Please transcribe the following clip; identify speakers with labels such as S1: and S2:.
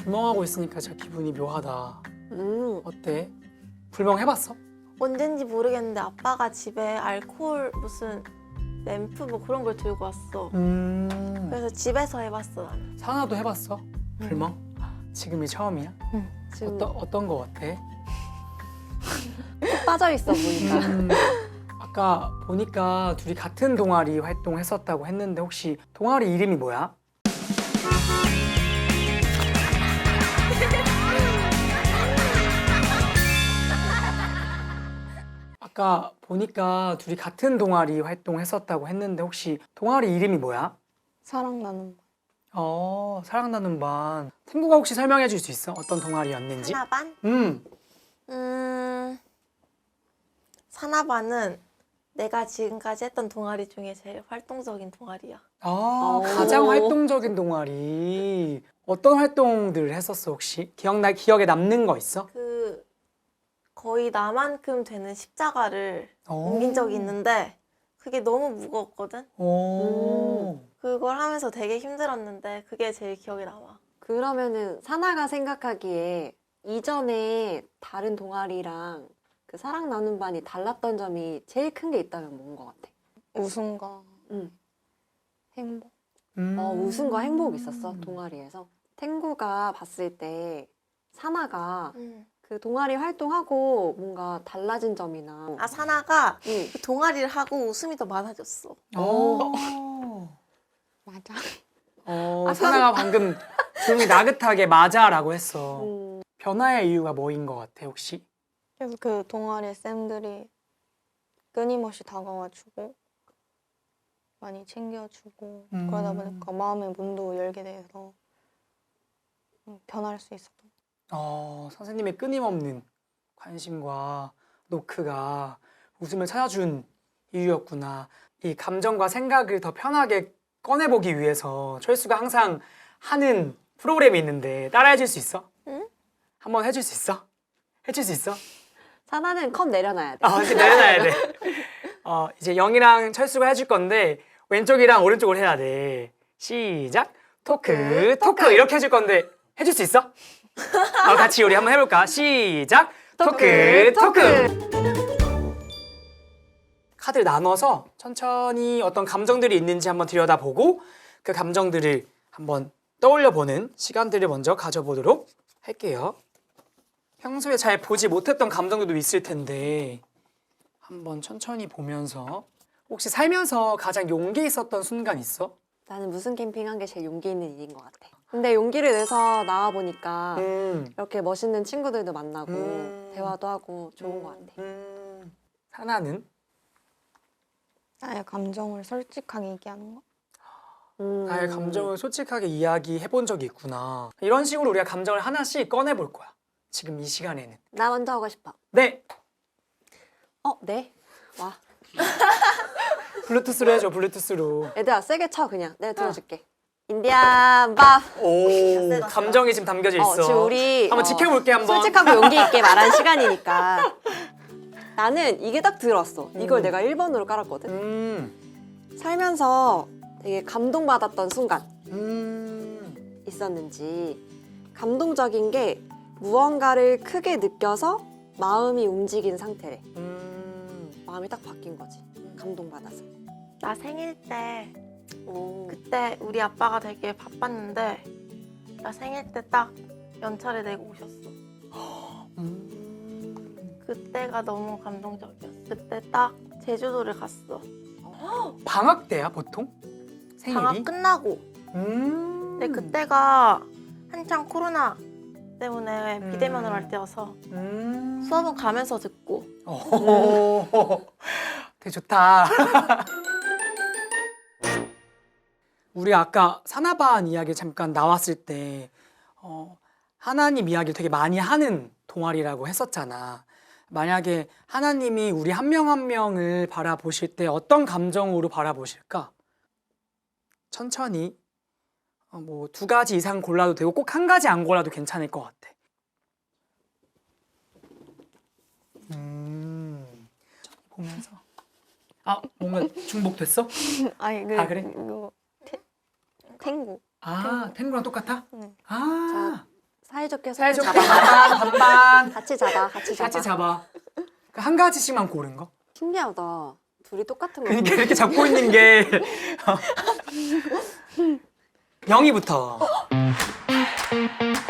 S1: 불멍하고 있으니까 진짜 기분이 묘하다. 어때? 불멍 해봤어?
S2: 언젠지 모르겠는데 아빠가 집에 알코올 무슨 램프 뭐 그런 걸 들고 왔어. 그래서 집에서 해봤어 나는.
S1: 사나도 해봤어? 불멍? 지금이 처음이야?
S3: 지금
S1: 어떤 거 같아?
S3: 푹 빠져 있어 보니까.
S1: 아까 보니까 둘이 같은 동아리 활동했었다고 했는데 혹시 동아리 이름이 뭐야? 아까 보니까 둘이 같은 동아리 활동했었다고 했는데 혹시 동아리 이름이 뭐야?
S3: 사랑나는
S1: 사랑 나눈 반. 탱구가 혹시 설명해 줄 수 있어? 어떤 동아리였는지?
S2: 사나반? 사나반은 내가 지금까지 했던 동아리 중에 제일 활동적인 동아리야.
S1: 가장 활동적인 동아리. 어떤 활동들을 했었어 혹시? 기억에 남는 거 있어?
S2: 그 거의 나만큼 되는 십자가를 옮긴 적이 있는데 그게 너무 무거웠거든? 그걸 하면서 되게 힘들었는데 그게 제일 기억에 남아.
S3: 그러면은 사나가 생각하기에 이전에 다른 동아리랑 그 사랑 나눈 반이 달랐던 점이 제일 큰 게 있다면 뭔 것 같아?
S4: 웃음과
S3: 응.
S4: 행복.
S3: 웃음과 행복 있었어 동아리에서. 탱구가 봤을 때 사나가 그 동아리 활동하고 뭔가 달라진 점이나.
S2: 아 사나가
S3: 응.
S2: 그 동아리를 하고 웃음이 더 많아졌어.
S4: 맞아.
S1: 사나가 방금 조용히 나긋하게 맞아라고 했어. 변화의 이유가 뭐인 것 같아 혹시?
S4: 그래서 그 동아리 쌤들이 끊임없이 다가와주고 많이 챙겨주고 그러다 보니까 마음의 문도 열게 돼서 변할 수 있었던.
S1: 선생님의 끊임없는 관심과 노크가 웃음을 찾아준 이유였구나. 이 감정과 생각을 더 편하게 꺼내보기 위해서 철수가 항상 하는 프로그램이 있는데 따라해줄 수 있어?
S2: 응?
S1: 한번 해줄 수 있어? 해줄 수 있어?
S3: 사나는 컵 내려놔야 돼.
S1: 이렇게 내려놔야 돼. 이제 영이랑 철수가 해줄 건데 왼쪽이랑 오른쪽을 해야 돼. 시작! 토크! 이렇게 해줄 건데 해줄 수 있어? 같이 우리 한번 해볼까? 시작! 토크! 카드를 나눠서 천천히 어떤 감정들이 있는지 한번 들여다보고 그 감정들을 한번 떠올려보는 시간들을 먼저 가져보도록 할게요. 평소에 잘 보지 못했던 감정들도 있을 텐데 한번 천천히 보면서 혹시 살면서 가장 용기 있었던 순간 있어?
S3: 나는 무슨 캠핑한 게 제일 용기 있는 일인 것 같아. 근데 용기를 내서 나와보니까 이렇게 멋있는 친구들도 만나고 대화도 하고 좋은 것 같아.
S1: 사나는?
S4: 나의 감정을 솔직하게 얘기하는 거.
S1: 나의 감정을 솔직하게 이야기해 본 적이 있구나. 이런 식으로 우리가 감정을 하나씩 꺼내볼 거야. 지금 이 시간에는.
S3: 나 먼저 하고 싶어.
S1: 네!
S3: 네? 와.
S1: 블루투스로 해줘, 블루투스로.
S3: 얘들아 세게 쳐 그냥. 내가 들어줄게. 인디안 밥.
S1: 오, 감정이 지금 담겨져 있어.
S3: 지금 우리
S1: 한번 지켜볼게, 한번.
S3: 솔직하고 용기 있게 말한 시간이니까. 나는 이게 딱 들었어. 이걸 내가 1번으로 깔았거든. 살면서 되게 감동받았던 순간 있었는지. 감동적인 게 무언가를 크게 느껴서 마음이 움직인 상태래. 마음이 딱 바뀐 거지. 감동받아서.
S2: 나 생일 때
S3: 오.
S2: 그때 우리 아빠가 되게 바빴는데 나 생일 때 딱 연차를 내고 오셨어. 그때가 너무 감동적이었어. 그때 딱 제주도를 갔어.
S1: 방학 때야, 보통? 생일이?
S2: 방학 끝나고. 근데 그때가 한창 코로나 때문에 비대면으로 할 때여서 수업은 가면서 듣고.
S1: 되게 좋다. 우리 아까 사나반 이야기 잠깐 나왔을 때 하나님 이야기를 되게 많이 하는 동아리라고 했었잖아. 만약에 하나님이 우리 한 명 한 명을 바라보실 때 어떤 감정으로 바라보실까? 천천히 뭐 2가지 이상 골라도 되고 꼭 1가지 안 골라도 괜찮을 것 같아. 보면서 뭔가 중복됐어?
S4: 아니
S1: 그래?
S4: 이거 탱고.
S1: 탱구랑 똑같아?
S4: 응.
S1: 자,
S3: 사이좋게
S1: 사이좋게
S3: 잡아.
S1: 반반 반반
S3: 같이 잡아. 같이 잡아.
S1: 같이 잡아. 그한 가지씩만 고른 거.
S3: 신기하다. 둘이 똑같은 거.
S1: 그러니까 이렇게 잡고 있는 게 영희부터.